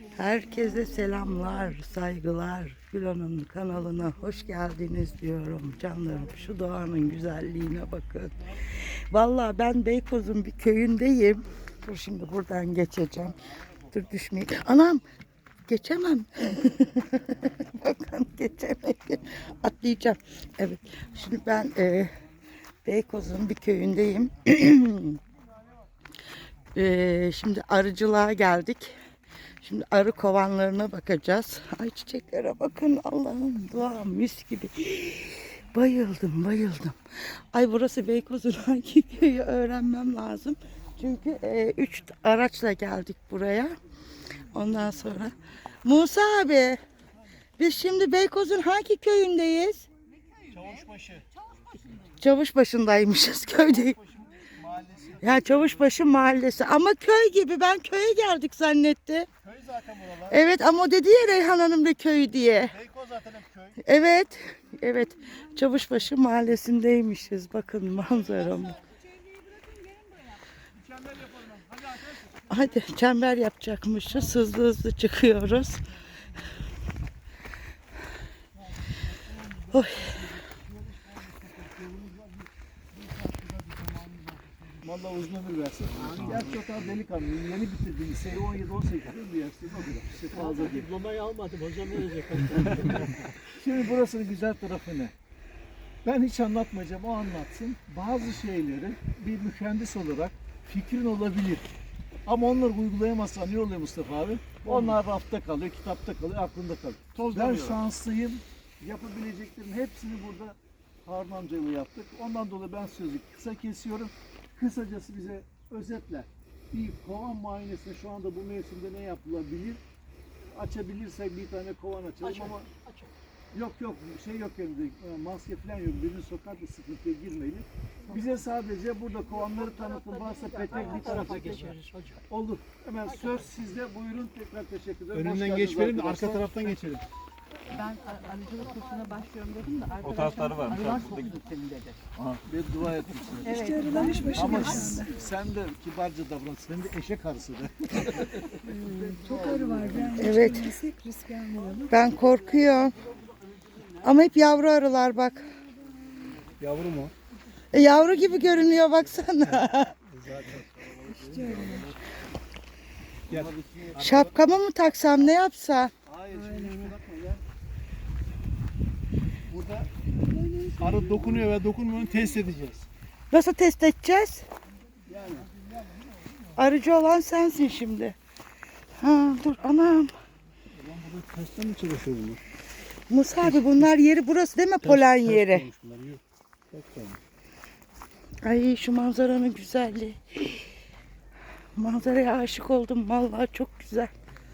Herkese selamlar, saygılar. Gülhan'ın kanalına hoş geldiniz diyorum canlarım. Şu doğanın güzelliğine bakın. Vallahi ben Beykoz'un bir köyündeyim. Dur şimdi buradan geçeceğim. Dur düşmeyeyim. Anam geçemem. Bakın geçemem. Atlayacağım. Evet. Şimdi ben Beykoz'un bir köyündeyim. Şimdi arıcılığa geldik. Şimdi arı kovanlarına bakacağız. Ay çiçeklere bakın Allah'ım, doğa mis gibi. Bayıldım bayıldım. Ay burası Beykoz'un hangi köyü öğrenmem lazım. Çünkü 3 araçla geldik buraya. Ondan sonra Musa abi, biz şimdi Beykoz'un hangi köyündeyiz? Çavuşbaşı. Çavuşbaşı'ndaymışız, köyde. Mahallesi. Ya Çavuşbaşı mahallesi ama köy gibi, ben köye geldik zannetti. Köy zaten buralar. Evet ama o dedi ya Reyhan Hanım da köy diye. Beykoz zaten hep köy. Evet, evet. Çavuşbaşı mahallesindeymişiz. Bakın manzaramı. Mükemmel yapalım. Hadi arkadaşlar. Hadi çember yapacakmışız. Hızlı hızlı çıkıyoruz. Oy. Vallahi uzun ömür versin. Gerçi o kadar delikanlı. Yeni bitirdim. Liseyi 17-18 yıl bir yaşlıyım. O kadar. İşte fazla değil. Diplomayı almadım hocam, ne olacak? Şimdi burasının güzel tarafı ne? Ben hiç anlatmayacağım. O anlatsın. Bazı şeyleri bir mühendis olarak fikrin olabilir. Ama onları uygulayamazsan ne oluyor Mustafa abi? Onlar rafta kalıyor, kitapta kalıyor, aklında kalıyor. Ben şanslıyım. Yapabileceklerin hepsini burada Harun amcayla yaptık. Ondan dolayı ben sözü kısa kesiyorum. Kısacası bize özetle bir kovan muayenesinde şu anda bu mevsimde ne yapılabilir? Açabilirsek bir tane kovan açalım ama yok şey yok elimde, maske falan yok, birini sokar da sıkıntıya girmeyelim. Bize sadece burada kovanları tanıtın, varsa petek bir tarafa geçeriz hocam. olur. Hemen söz sizde, buyurun, tekrar teşekkür ederim. Hoş Önünden geldiniz geçmeyelim de arka arkadaşlar. taraftan geçelim. Ben arıcılık kursuna başlıyorum dedim de O tarafları var. arılar çok senin dedi. Bir dua etmişsiniz. Evet. Ama sen de kibarca davran, sen de eşek arısı de. Çok arı var. Yani Evet. risk almayalım. Ben korkuyorum. Ama hep yavru arılar bak. Yavru mu? Yavru gibi görünüyor baksana. Gel. Şapkamı mı taksam, ne yapsam? Hayır, şimdi şuna bakma ya. Burada arı dokunuyor ve dokunmuyor test edeceğiz. Nasıl test edeceğiz? Arıcı olan sensin şimdi. Ha, dur anam. Burada testten mi çalışıyor bunlar? Musa abi, bunlar yeri burası değil mi, polen yeri? Bunlar yok. Yok tamam. Ay şu manzaranın güzelliği. Manzaraya aşık oldum vallahi, çok güzel.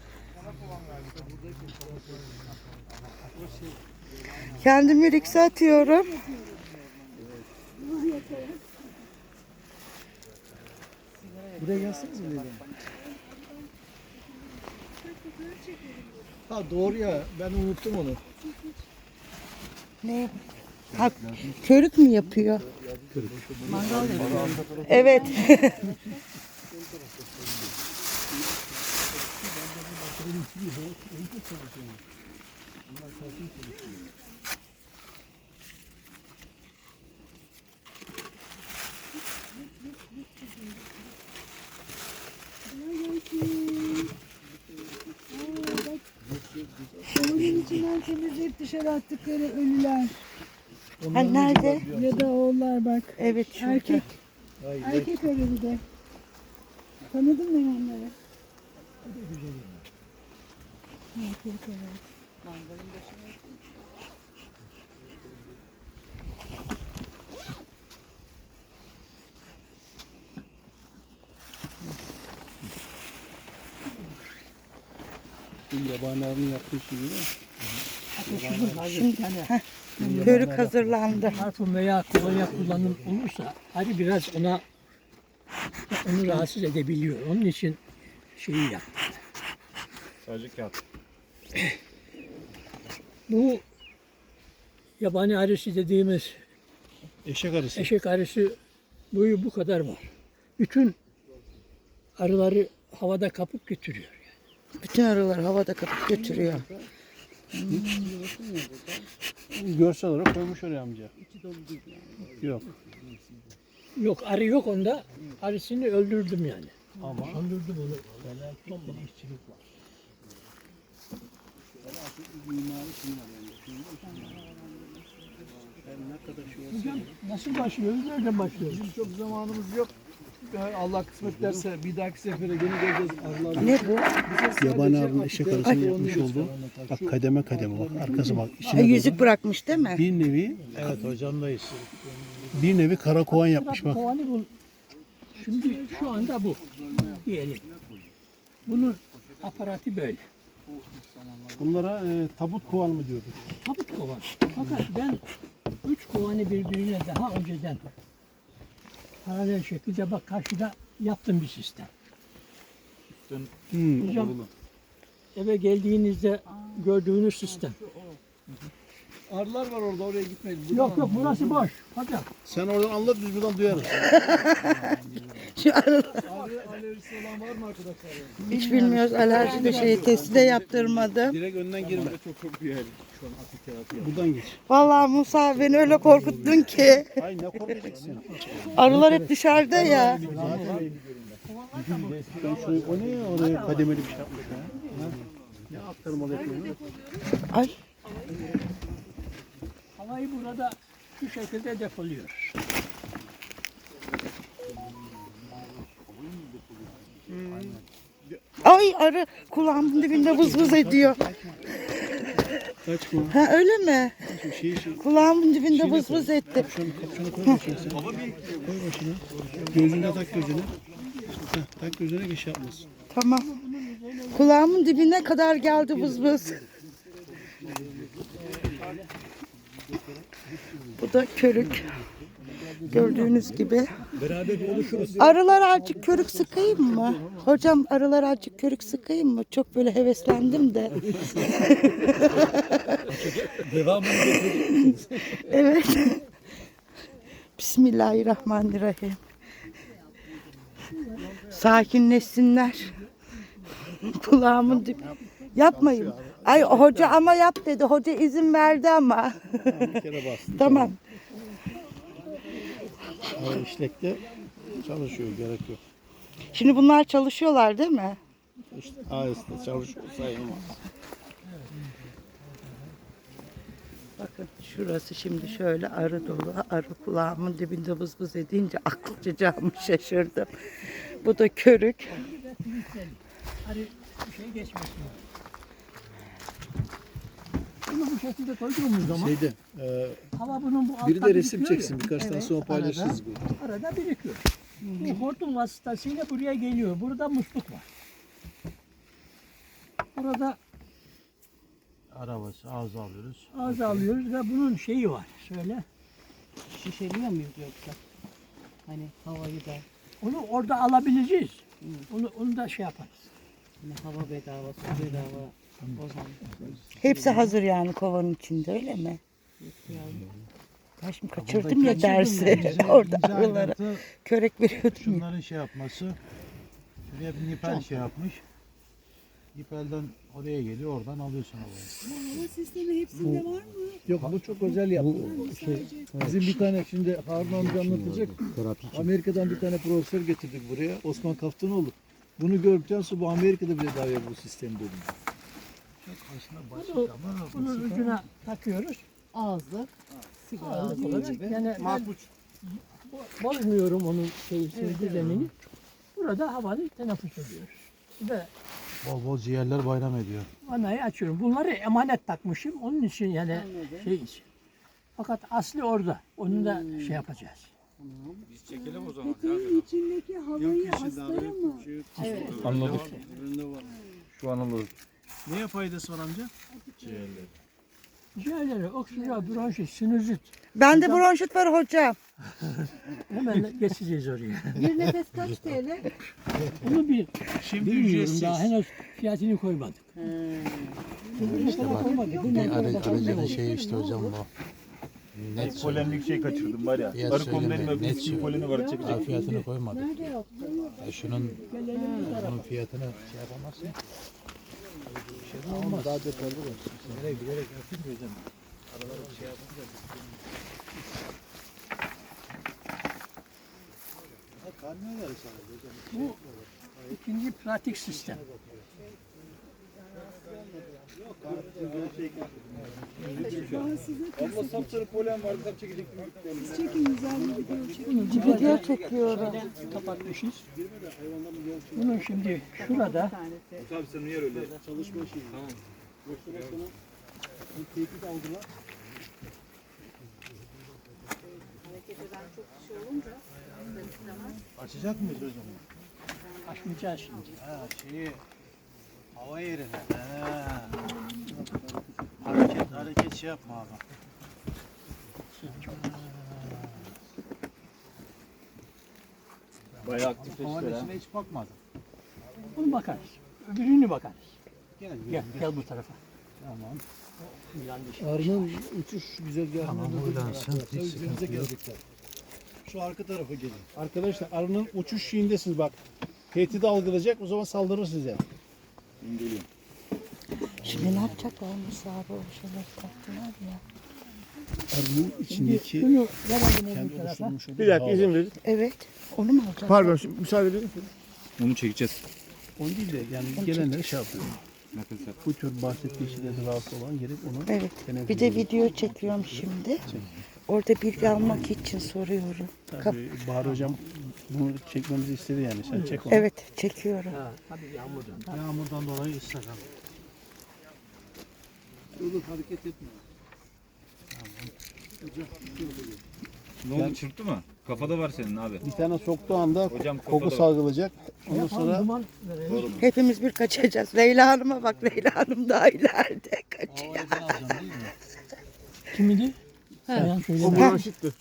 Kendimi rikse atıyorum. Buraya gelseniz mi? Ha doğru ya, ben unuttum onu. Ne? Ha, körük mü yapıyor? Evet. Onun içinden temizleyip dışarı attıkları ölüler. Ha, nerede? Ya da oğullar bak. Evet şurada. Erkek. Erkek arı bir de. Tanıdın mı onları? Erkek arı. Yabani arının yaptığı şey değil mi? Şimdi körük hazırlandı. Parfüm veya kolonya kullanım olursa arı biraz onu rahatsız edebiliyor. Onun için şeyi yap. Sadece kağıt. Bu yabani arısı dediğimiz Eşek arısı. eşek arısı boyu bu kadar var. Bütün arıları havada kapıp götürüyor. Bütün arılar havada kapıp götürüyor. Görsel olarak koymuş oraya amca. Yok. Yok arı yok onda. Arısını öldürdüm yani. Ama Öldürdüm onu. Son bir işçilik var. Hocam nasıl başlıyoruz? Nereden başlıyoruz? Çok zamanımız yok. Allah kısmet derse bir dahaki sefere gene geleceğiz arılarla. Ne bu? yabani arının eşek arısının yapmış olduğu bak kademe kademe bak arkası bak içine Ay, yüzük bırakmış değil mi? bir nevi evet hocamdayız. Bir nevi karakovan yapmış bak. Kovanı bul. Şimdi şu anda bu. Diyelim. Bunun aparatı böyle. Bunlara tabut kovan mı diyorduk? Tabut kovan. Fakat ben 3 kovanı birbirine daha önceden paralel şekilde bak karşıda yaptım bir sistem. Hocam eve geldiğinizde gördüğünüz sistem. Arılar var orada, oraya gitmeyin. Yok yok burası boş. Hocam. Sen oradan anlat biz buradan duyarız. Şu arı Alerjisi olan var mı arkadaşlar? hiç bilmiyoruz. Alerji de testi de yaptırmadı. Direkt önden girme. Çok korkuyor yani. Şu an akıl terapi. Buradan geç. Vallahi Musa beni öyle korkuttun ki. Ay ne korkacaksın? Arılar hep dışarıda ya. Ben şöyle, o ne ya oraya kademeli bir şey yapmış ya. Ha? Ne aktarmalı yapıyor? Ay. Havayı burada şu şekilde depoluyor. Ay arı kulağımın dibinde vız vız ediyor. Kaçma. Ha öyle mi? Şey, Kulağımın dibinde vız vız etti. kapşonu koy başına sen. Koy başına. Gözüne tak gözüne. Heh, tak gözüne geç yapmasın. Tamam. Kulağımın dibine kadar geldi vız vız. Bu da körük. Gördüğünüz gibi. Arılar azıcık körük sıkayım mı? Hocam arılar azıcık körük sıkayım mı? Çok böyle heveslendim de. Evet. Bismillahirrahmanirrahim. Sakinleşsinler. Kulağımın dip. Yapmayın. Ay hoca ama yap dedi. Hoca izin verdi ama. Bir kere bastın. Tamam. Hava işlekte çalışıyor gerek yok. Şimdi bunlar çalışıyorlar değil mi? İşte AES'te çalışıyor sayılmaz. Bakın şurası şimdi şöyle arı dolu. Arı kulağımın dibinde vız vız edince aklıcacağımı şaşırdım. Bu da körük. Hani bir şey geçmesin. Bunu bu şekilde koyduğumuz zaman hava bunun bu altta biri de resim birikiyor çeksin ya. birkaç tane sonra paylaşırız. Arada birikiyor. Bu hortum vasıtasıyla buraya geliyor. Burada musluk var. Burada Arabası ağzı alıyoruz. ağız alıyoruz ve bunun şeyi var. Söyle. Şişeliyor muyuz yoksa? Hani havayı da Onu orada alabileceğiz. Onu da şey yaparız. hani hava bedava, su bedava. O zaman Hepsi hazır yani kovanın içinde öyle mi? Ben şimdi kaçırdım ya dersi. Orada arılara körek veriyordum ya. Şunların şey yapması, şuraya bir nipel şey yapmış. Nipelden oraya geliyor, oradan alıyorsun havayı. Hava sistemi hepsinde var mı? Yok bu çok özel yaptı. Bizim bir tane şimdi Harun amca anlatacak. Amerika'dan bir tane profesör getirdik buraya. Osman Kaftanoğlu. Bunu gördükten sonra bu Amerika'da bile davet bu sistem dedim. Bunun ucuna takıyoruz. ağızlı, sigara Ağız ağzı olarak. gibi. Yani ben bozmuyorum onun düzenini. Burada havanı teneffüs ediyoruz. Ve Bol bol ciğerler bayram ediyor. vanayı açıyorum. Bunları emanet takmışım. Onun için yani şey için. Fakat asli orada. Onu da şey yapacağız. Peteğin içindeki havayı hastaya mı? Anladık. Şu an anladık. Neye faydası var amca? Ciğerleri, oksijen, bronşit, sinüzit. Bende bronşit var hocam. Hemen geçeceğiz oraya. Bir nefes kaç TL? Bunu Şimdi bilmiyorum ücretsiz. daha henüz fiyatını koymadık. İşte bak, koymadık. Arıcının şeyi işte hocam bu. Net Polemik şey kaçırdım var ya. fiyat Arı konularının söyleme. Net öbür söyle. poleni var çekecek. Daha fiyatını koymadık. Nerede yaptın? Şunun fiyatını şey yapamazsın. olmaz. Daha detaylı var. Bilerek yapayım hocam. Aralara bir şey yapınca karnına verir sana hocam. Bu ikinci pratik sistem. Abla sapsarı polen var. Kitap çekecek Siz çekin güzel bir video çekin. Bunu Video çekiyorum. kapatmışız. Bunun şimdi şurada Tabii sen yer öyle. Çalışma şeyi. Tamam. Tehdit algılar. Açacak mıyız hocam? açmayacağız şimdi. Ha şeyi hava yerine. Ha. Hareket şey yapma abi. Bayağı aktifleşti. Havalesine hiç bakmadım. Bunu bakarız. Öbürünü bakarız. Gel Gel bu tarafa. Tamam. Yanlış. Arının uçuş güzergahına Tamam, buradansın. Hiç Üzerinize sıkıntı yok. gelecekler. Şu arka tarafa gelin. Arkadaşlar arının uçuş şeyindesiniz bak. Tehdit algılayacak o zaman saldırır size. Geliyorum. Şimdi ne yapacaklar Musa abi o şeyler taktılar ya. Arının içindeki Bunu verelim kendi öbür tarafa. oluşturmuş olduğu Bir dakika bağ izin var. verin. Evet. Onu mu alacaklar? Pardon şimdi müsaade edin. Onu çekeceğiz. Onu değil de yani gelenleri şey yapıyor. Bu tür bahsettiği şeylerde rahatsız olan gelip onu Evet. Bir de video çekiyorum şimdi. Orada bilgi almak için soruyorum. tabii Bahar hocam bunu çekmemizi istedi yani sen çek onu. Evet çekiyorum. Ha, tabii yağmurdan. Yağmurdan dolayı ıslak abi. Dur hareket etme. Ne oldu, çırptı mı? Kafada var senin abi. Bir tane soktuğu anda Hocam koku kafada var. salgılayacak. Ondan Yapalım, sonra duman verelim. Hepimiz bir kaçacağız. Leyla Hanım'a bak. Leyla Hanım daha ileride kaçıyor. Kimidi? Sen söyle. O bronşitti.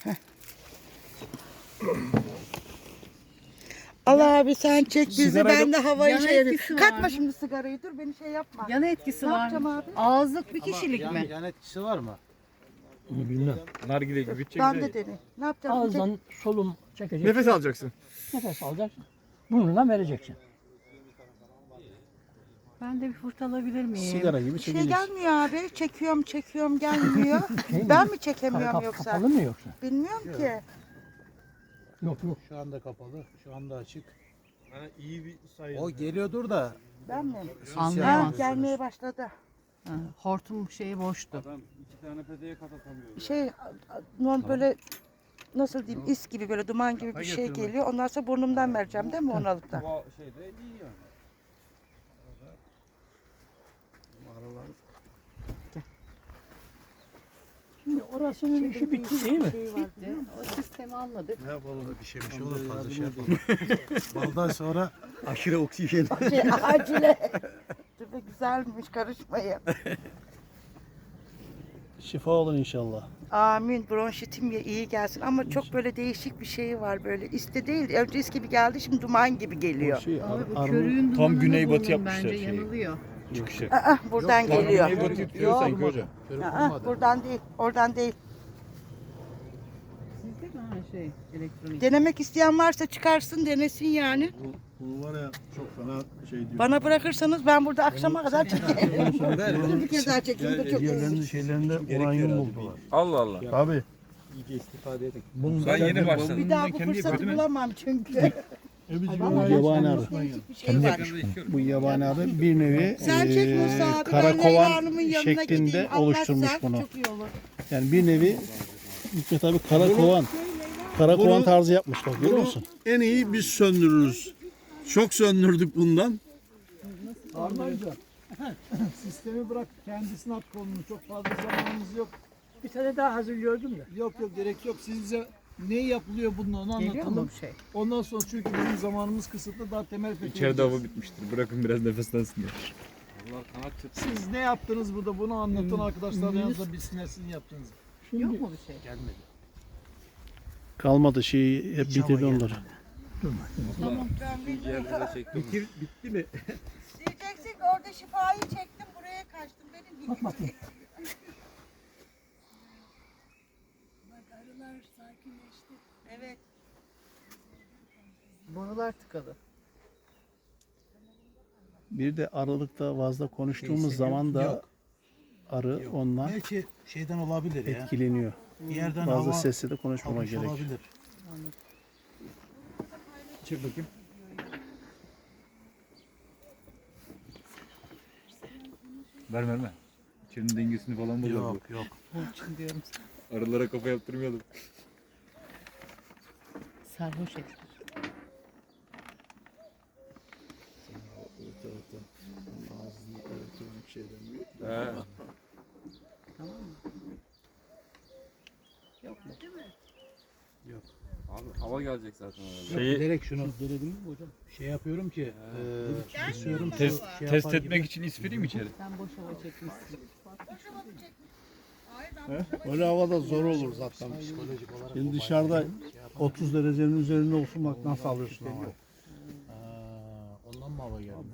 Allah abi sen çek bizi Sigara ben de havayı Yan şey etkisi var Katma mı? şimdi sigarayı dur beni şey yapma. Yan etkisi Ne var yapacağım mı? abi? Ağızlık bir kişilik mi? yan etkisi var mı? Onu bilmem. Nargile gibi Ben de deney. Ne yapacağım? Ağızdan solum çekeceksin. Nefes alacaksın. Nefes alacaksın. Burnundan vereceksin. Ben de bir fırt alabilir miyim? Sigara gibi Bir şey çekeceksin. gelmiyor abi. Çekiyorum gelmiyor. Ben mi çekemiyorum yoksa? Kapalı mı yoksa? Bilmiyorum ki. Yok. Şu anda kapalı, şu anda açık. İyi bir sayı. O geliyordur da Ben mi? Ha, Anlayamazsınız. gelmeye başladı. Ha, hortum şeyi boştu. Şey normal böyle nasıl diyeyim is gibi böyle duman gibi bir şey geliyor. Ondan sonra burnumdan vereceğim değil mi onu alıp da? Şimdi orasının işi bitti değil mi? Bitti. O sistemi anladık. ne yapalım bir şey olur fazla şey yapalım. Baldan sonra Aşırı oksijen. Acile. Dur be güzelmiş karışmayın. Şifa olun inşallah. Amin. Bronşitim ya iyi gelsin ama çok böyle değişik bir şey var böyle. İste değil. Önce is gibi geldi şimdi duman gibi geliyor. Şey, Abi bu arının körüğün tam dumanını güneybatı bulun yapmışlar bence şeyi. yanılıyor. Çıkışı. Buradan geliyor. Güneybatı yapıyor sanki hocam. Buradan değil. Oradan değil. Sizde mi ha şey elektronik? Denemek isteyen varsa çıkarsın denesin yani. Bu var ya çok fena şey diyor. Bana bırakırsanız ben burada akşama kadar çekerim. Dur bir kez daha çekeyim de çok iyi. Diğerlerinin şeylerinde uranyum buldular. Allah Allah. Abi. Ben yeni başladım. Bir daha bu fırsatı bulamam çünkü. Bu yabani arı. Değişik bir şey var. Bu yabani arı bir nevi Sen çek Musa abi. Ben Leyla karakovan Hanım'ın yanına şeklinde gideyim. oluşturmuş Anlatsan bunu. çok iyi olur. Yani bir nevi Hikmet abi karakovan tarzı yapmış bak görüyor musun? En iyi biz söndürürüz. Çok söndürdük bundan. Armayacağım. Sistemi bırak kendisine at kolunu. Çok fazla zamanımız yok. Bir tane daha hazırlıyordum da. Yok gerek yok. Siz bize ne yapılıyor bununla onu Geliyor mu anlatalım. bir şey? Ondan sonra çünkü bizim zamanımız kısıtlı daha temel fetih İçeride edeceğiz. hava bitmiştir. Bırakın biraz nefeslensinler. Siz ne yaptınız burada bunu anlatan arkadaşlar yanınızda bilsinler sizin yaptığınızı. Yok mu bir şey? Kalmadı şeyi hep bitirdi onları. Bitti mi? Diyeceksin ki orada şifayı çektim buraya kaçtım. Benim Bak bakayım. Evet. Borular tıkalı. Bir de aralıkta fazla konuştuğumuz zaman da arı ondan Belki şeyden olabilir ya. etkileniyor. Bir yerden Fazla hava sesle de konuşmama almış gerek. olabilir. Çek bakayım. Verme. İçerinin dengesini falan bozar bu. Yok. Burçin diyorum. Arılara kafa yaptırmayalım. Sarhoş etmiş. He. Tamam mı? Yok mu? Abi hava gelecek zaten herhalde. Şey- Bilerek şunu şey yapıyorum ki kesiyorum. Test, şey test yapar etmek gibi. için isfireyim içeri. Sen boş hava çekmişsin. Öyle havada zor olur zaten. Psikolojik olarak Şimdi dışarıda 30 derecenin üzerinde olsun bak nasıl alıyorsun ama. ondan mı hava geldi?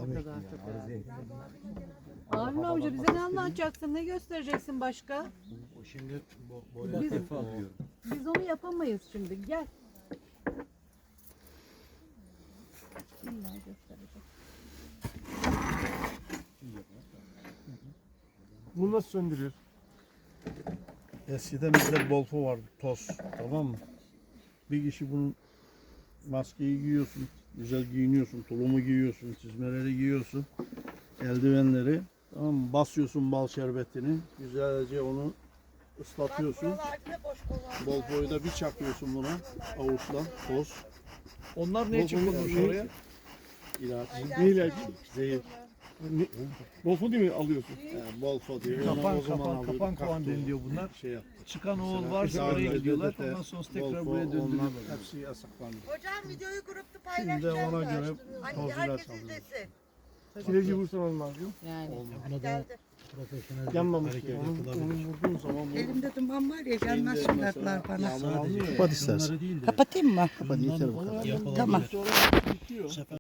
Harun amca bize ne anlatacaksın? Ne göstereceksin başka? O şimdi böyle Biz, biz onu yapamayız şimdi. Gel. İlla gösterecek. Bunu nasıl söndürüyor? Eskiden bizde bolfo vardı, toz, tamam mı? Bir kişi bunun maskeyi giyiyorsun, güzel giyiniyorsun, tulumu giyiyorsun, çizmeleri giyiyorsun, eldivenleri, tamam mı? Basıyorsun bal şerbetini, güzelce onu ıslatıyorsun. Bolfoyu da bir çakıyorsun buna, avuçla, toz. Onlar ne için konulmuş oraya? İlaç, Ne ilacı? zehir. Bolfo değil mi alıyorsun? Bolfo diyor. Kapan Onu o zaman kapan alıyorduk, kapan kovan kalktı o. deniliyor bunlar. Şey yaptı. Çıkan oğul Mesela varsa oraya Israr'da, gidiyorlar. DDT, Ondan sonra tekrar Bolfo, buraya onlar döndürüyorlar. hepsi yasaklandı. Hocam videoyu grupta Şimdi paylaşacağım. ona göre Hani toz ilaç herkes alıyoruz. izlesin. Kireci vursamam lazım. Yani. buna da Geldi. profesyonel Yanmamış hareket yani. yapılabilir. Onu vurduğun zaman bu Elimde duman var ya gelmez söylediler bana. Yağmur almıyor ya. Kapat istersen. Kapatayım mı? Kapat yeter bu kadar. Yapılabilir. Tamam. sonra bitiyor.